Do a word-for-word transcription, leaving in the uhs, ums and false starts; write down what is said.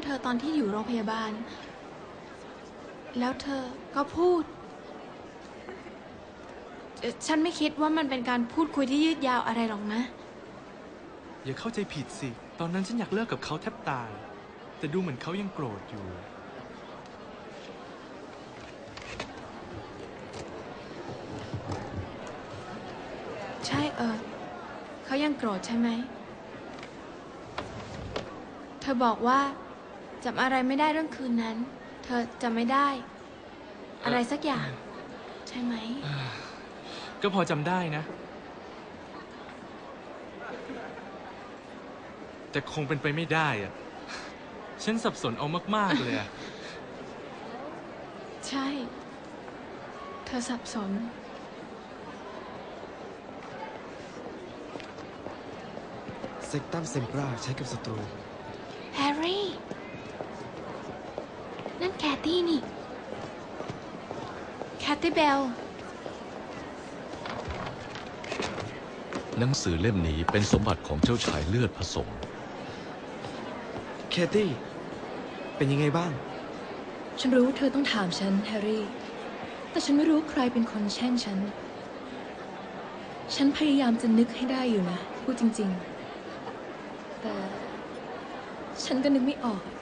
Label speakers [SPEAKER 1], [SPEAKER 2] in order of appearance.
[SPEAKER 1] อตอนที่อยู่โรงพยาบาลแล้วเธอก็พูดฉันไม่คิดว่ามันเป็นการพูดคุยที่ยืดยาวอะไรหรอกนะ
[SPEAKER 2] อย่าเข้าใจผิดสิตอนนั้นฉันอยากเลิกกับเขาแทบตายแต่ดูเหมือนเขายังโกรธอยู่
[SPEAKER 1] ใช่เออเขายังโกรธใช่ไหมเธอบอกว่าจำอะไรไม่ได้เรื่องคืนนั้นเธอจำไม่ได้อะไรสักอย่างใช่ไหม
[SPEAKER 2] ก็พอจำได้นะแต่คงเป็นไปไม่ได้อะฉันสับสนเอามากๆเลยอะ
[SPEAKER 1] ใช่เธอสับสน
[SPEAKER 3] เซกตัมเซมปราใช้กับศัตรู
[SPEAKER 1] แฮร์รี่นั่นแคทตี้นี่แคทตี้เบล
[SPEAKER 4] หนังสือเล่มนี้เป็นสมบัติของเจ้าชายเลือดผสม
[SPEAKER 3] แคทตี้เป็นยังไงบ้าง
[SPEAKER 5] ฉันรู้เธอต้องถามฉันแฮร์รี่แต่ฉันไม่รู้ใครเป็นคนแช่งฉันฉันพยายามจะนึกให้ได้อยู่นะพูดจริงๆแต่ฉันก็นึกไม่ออก